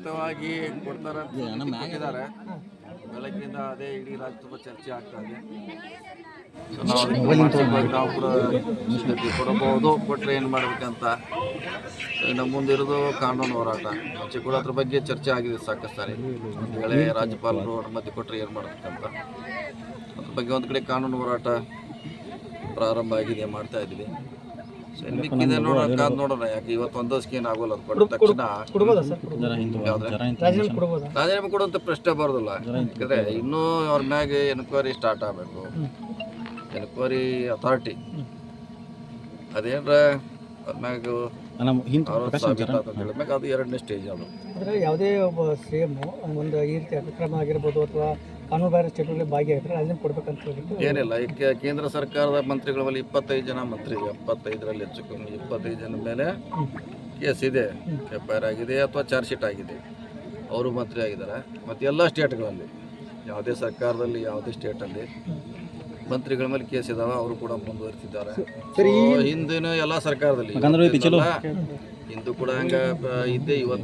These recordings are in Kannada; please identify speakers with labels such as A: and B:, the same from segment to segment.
A: ಕೊಡ್ತಾರೆ ಬೆಳಗ್ಗಿಂದ ಅದೇ ಇಡೀ ರಾಜ್ಯ ತುಂಬ ಚರ್ಚೆ ಆಗ್ತಾ ಇದೆ. ನಾವು ಕೂಡ ಕೊಡಬಹುದು, ಕೊಟ್ಟರೆ ಏನು ಮಾಡಬೇಕಂತ. ಇನ್ನು ಮುಂದಿರೋದು ಕಾನೂನು ಹೋರಾಟ. ಮುಂಚೆ ಕೂಡ ಅದ್ರ ಬಗ್ಗೆ ಚರ್ಚೆ ಆಗಿದೆ ಸಾಕಷ್ಟು ಸಾರಿ. ಒಂದು ವೇಳೆ ರಾಜ್ಯಪಾಲರು ಅನುಮತಿ ಕೊಟ್ಟರೆ ಏನು ಮಾಡಬೇಕಂತ ಅದ್ರ ಬಗ್ಗೆ ಒಂದು ಕಡೆ ಕಾನೂನು ಹೋರಾಟ ಪ್ರಾರಂಭ ಆಗಿದೆ, ಮಾಡ್ತಾ ಇದ್ದೀವಿ. ಮಿಕ್ಕಿದೆ ನೋಡೋಣ. ಯಾಕೆ ಇವತ್ತು ಒಂದಷ್ಟು ಏನು ಆಗೋಲ್ಲ, ಅದು ಕೊಟ್ಟ ತಕ್ಷಣ ರಾಜೀನಾಮೆ ಕೊಡುವಂಥ ಪ್ರಶ್ನೆ ಬರೋದಿಲ್ಲ. ಯಾಕಂದರೆ ಇನ್ನೂ ಅವ್ರ ಮ್ಯಾಗೆ ಎನ್ಕ್ವೈರಿ ಸ್ಟಾರ್ಟ್ ಆಗಬೇಕು. ಎನ್ಕ್ವೈರಿ ಅಥಾರಿಟಿ ಅದೇನ್ರ ಅವ್ರ ಮ್ಯಾಗ ಹೇಳಿದ್ಮ್ಯಾಗ ಅದು ಎರಡನೇ ಸ್ಟೇಜ್. ಅದು
B: ಅಂದರೆ ಯಾವುದೇ ಒಬ್ಬ CM ಒಂದು ಈ ರೀತಿ ಅತಿಕ್ರಮ ಆಗಿರ್ಬೋದು ಅಥವಾ ಕಾನೂನು ಬಾಹಿರ ಚಟುವಟಿಕೆ ಭಾಗಿಯಾಗಿದ್ರೆ ರಾಜೀನಾಮೆ ಕೊಡ್ಬೇಕಂತ ಹೇಳ್ಬಿಟ್ಟು
A: ಏನಿಲ್ಲ. ಈಗ ಕೇಂದ್ರ ಸರ್ಕಾರದ ಮಂತ್ರಿಗಳ ಮೇಲೆ 25 ಜನ ಮಂತ್ರಿ, 75ರಲ್ಲಿ ಹೆಚ್ಚು ಕಮ್ಮಿ 25 ಜನ ಮೇಲೆ ಕೇಸ್ ಇದೆ, FIR ಆಗಿದೆ ಅಥವಾ ಚಾರ್ಜ್ ಶೀಟ್ ಆಗಿದೆ. ಅವರು ಮಂತ್ರಿ ಆಗಿದ್ದಾರೆ. ಮತ್ತು ಎಲ್ಲ ಸ್ಟೇಟ್ಗಳಲ್ಲಿ, ಯಾವುದೇ ಸರ್ಕಾರದಲ್ಲಿ ಯಾವುದೇ ಸ್ಟೇಟಲ್ಲಿ ಮಂತ್ರಿಗಳ ಮೇಲೆ ಕೇಸ್ ಇದಾವೆ, ಅವರು ಕೂಡ ಮುಂದುವರಿಸಿದ್ದಾರೆ. ಹಿಂದಿನ ಎಲ್ಲ ಸರ್ಕಾರದಲ್ಲಿ ಹಿಂದೂ ಕೂಡ ಹಂಗ ಇದ್ದೇ ಇವತ್ತು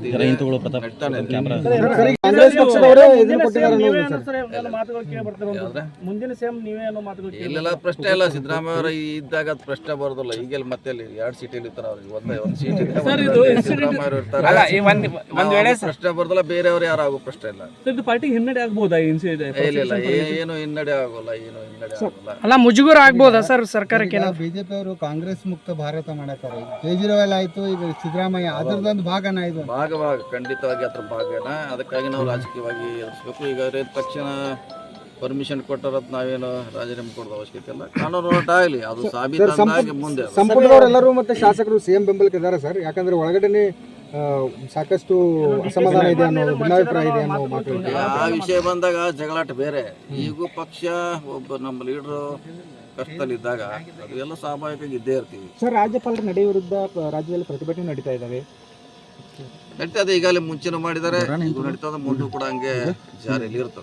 A: ಇಲ್ಲೆಲ್ಲ ಪ್ರಶ್ನೆ ಇಲ್ಲ. ಸಿದ್ದರಾಮಯ್ಯ ಅವರು ಇದ್ದಾಗ ಅದು ಪ್ರಶ್ನೆ ಬರೋದಿಲ್ಲ. ಈಗೆಲ್ಲ ಮತ್ತೆ 2 ಸೀಟಲ್ಲಿ ಇರ್ತಾರೆ. ಅವ್ರಿಗೆ ಒಂದು ಸೀಟ್ ಇದೆ, ಸಿದ್ದರಾಮಯ್ಯ ಅವರು ಇರ್ತಾರೆ. ಪ್ರಶ್ನೆ ಬರೋದಿಲ್ಲ, ಬೇರೆಯವರು ಯಾರು ಆಗೋ ಪ್ರಶ್ನೆ ಇಲ್ಲ.
B: ಪಾರ್ಟಿಗೆ ಹಿನ್ನಡೆ ಆಗ್ಬೋದಾ?
A: ಇಲ್ಲ, ಏನು ಹಿನ್ನಡೆ ಆಗೋಲ್ಲ, ಏನು ಹಿನ್ನಡೆ ಆಗೋಲ್ಲ.
B: ಅಲ್ಲ, ಮುಜುಗರ ಆಗ್ಬೋದಾ ಸರ್ ಸರ್ಕಾರಕ್ಕೆ?
C: ಬಿಜೆಪಿ ಅವರು ಕಾಂಗ್ರೆಸ್ ಮುಕ್ತ ಭಾರತ ಮಾಡತಾರೆ. ಕೇಜ್ರಿವಾಲ್ ಆಯ್ತು, ಈಗ ಸಿದ್ದರಾಮಯ್ಯ ಅದರದೊಂದು ಭಾಗನ ಇದು
A: ಭಾಗ ಖಂಡಿತವಾಗಿ ಅದ್ರ ಭಾಗನ. ಅದಕ್ಕಾಗಿ ನಾವು ರಾಜಕೀಯವಾಗಿ ಎದುರಿಸ್ಬೇಕು. ಈಗ ತಕ್ಷಣ ಪರ್ಮಿಷನ್ ಕೊಟ್ಟರತ್ ನಾವೇನು ರಾಜೀನಾಮೆ ಕೊಡೋದು ಅವಶ್ಯಕತೆ ಇಲ್ಲ. ಕಾನೂನು ಹೋರಾಟ ಆಗಲಿ, ಅದು ಸಾಬೀತಾಗಿ ಮುಂದೆ.
C: ಸಂಪುಟದವರೆಲ್ಲರೂ ಮತ್ತೆ ಶಾಸಕರು CM ಬೆಂಬಲಕ್ಕೆ ಇದ್ದಾರೆ ಸರ್. ಯಾಕಂದ್ರೆ ಒಳಗಡೆ ಸಾಕಷ್ಟು ಅಸಮಾಧಾನ ಇದೆ ಅನ್ನೋ ಭಿನ್ನಾಭಿಪ್ರಾಯ ಇದೆ ಅನ್ನೋ ಮಾತು.
A: ಆ ವಿಷಯ ಬಂದಾಗ ಜಗಳಾಟ ಬೇರೆ. ಈಗೂ ಪಕ್ಷ ಒಬ್ಬ ನಮ್ಮ ಲೀಡರು ಕಷ್ಟದಲ್ಲಿದ್ದಾಗ ಅದು ಎಲ್ಲ ಸ್ವಾಭಾವಿಕವಾಗಿ ಇದ್ದೇ ಇರ್ತೀವಿ
B: ಸರ್. ರಾಜ್ಯಪಾಲರ ನಡೆ ವಿರುದ್ಧ ರಾಜ್ಯದಲ್ಲಿ ಪ್ರತಿಭಟನೆ ನಡೀತಾ ಇದ್ದಾವೆ.
A: ನಡೀತದೆ, ಈಗಾಗಲೇ ಮುಂಚೆನೂ ಮಾಡಿದ್ದಾರೆ, ಈಗ ನಡೀತದೆ, ಮುಂದೂ ಕೂಡ ಹಂಗೆ ಜಾರಿಯಲ್ಲಿ ಇರ್ತದೆ.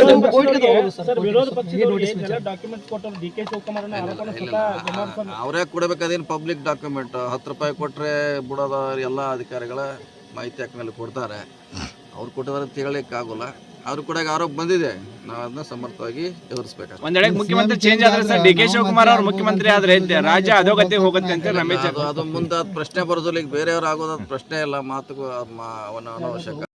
A: ಅವರೇ ಕೊಡಬೇಕಾದೇನು ಪಬ್ಲಿಕ್ ಡಾಕ್ಯುಮೆಂಟ್. 10 ರೂಪಾಯಿ ಕೊಟ್ಟರೆ ಬಿಡೋದ ಎಲ್ಲ ಅಧಿಕಾರಿಗಳ ಮಾಹಿತಿ ಹಾಕಿನಲ್ಲಿ ಕೊಡ್ತಾರೆ. ಅವ್ರು ಕೊಟ್ಟಿದ್ದಾರೆ ಅಂತ ಹೇಳಲಿಕ್ಕಾಗೋಲ್ಲ. ಅವ್ರು ಕೂಡ ಆರೋಪ ಬಂದಿದೆ, ನಾವು ಅದನ್ನ ಸಮರ್ಥವಾಗಿ ಎದುರಿಸಬೇಕು.
D: ಒಂದೆಡೆ ಮುಖ್ಯಮಂತ್ರಿ ಚೇಂಜ್ ಆದ್ರೆ ಸರ್ DK ಶಿವಕುಮಾರ್ ಅವರು ಮುಖ್ಯಮಂತ್ರಿ ಆದ್ರೆ ರಾಜ್ಯ ಅಧೋಗತಿ ಹೋಗುತ್ತೆ ಅಂತ ರಮೇಶ್.
A: ಅದು ಮುಂದೆ ಅದು ಪ್ರಶ್ನೆ ಬರೋದಿಲ್ಲ. ಈಗ ಬೇರೆಯವ್ರು ಆಗೋದು ಪ್ರಶ್ನೆ ಇಲ್ಲ, ಮಾತುಗೂ ಅವನ ಅನವಶ್ಯಕ.